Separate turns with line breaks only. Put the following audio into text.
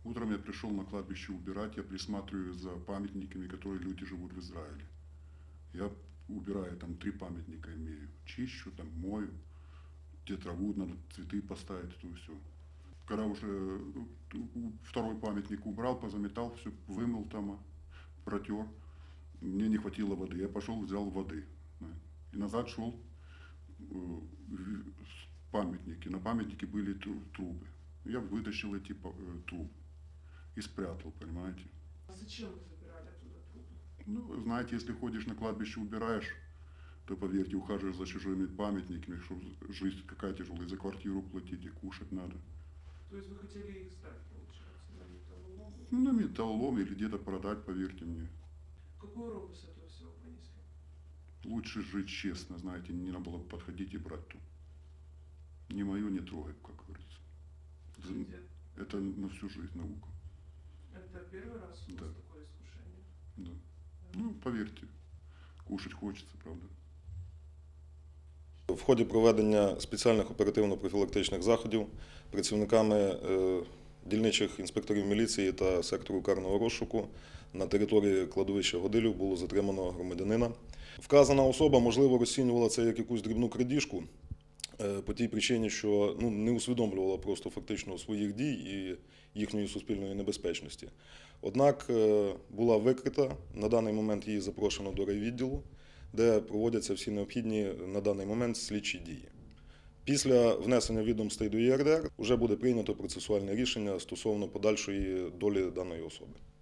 Утром я пришел на кладбище убирать, я присматриваю за памятниками, которые люди живут в Израиле. Я убираю, там 3 памятника имею. Чищу, там мою, где траву надо, цветы поставить, это все. Когда уже второй памятник убрал, позаметал, все вымыл там, протер, мне не хватило воды. Я пошел, взял воды. И назад шел памятники. На памятнике были трубы. Я вытащил эти трубы и спрятал, понимаете.
А зачем вы забирали оттуда трубы?
Ну, знаете, если ходишь на кладбище, убираешь, то, поверьте, ухаживаешь за чужими памятниками, что жизнь какая тяжелая, за квартиру платить и кушать надо.
То есть вы хотели их сдать, получается, на металлолом?
Ну, на металлолом или где-то продать, поверьте мне.
Какой урок вы с этого всего понесли?
Лучше жить честно, знаете, не надо было подходить и брать тут. Не мое не трогай, как говорится. Это на всю жизнь наука.
Это первый раз у вас такое искушение?
Да. Ну, поверьте, кушать хочется, правда.
В ході проведення спеціальних оперативно-профілактичних заходів працівниками дільничих інспекторів міліції та сектору карного розшуку на території кладовища Годилів було затримано громадянина. Вказана особа, можливо, розцінювала це як якусь дрібну крадіжку по тій причині, що не усвідомлювала просто фактично своїх дій і їхньої суспільної небезпечності. Однак була викрита, на даний момент її запрошено до райвідділу, де проводяться всі необхідні на даний момент слідчі дії. Після внесення відомостей до ЄРДР вже буде прийнято процесуальне рішення стосовно подальшої долі даної особи.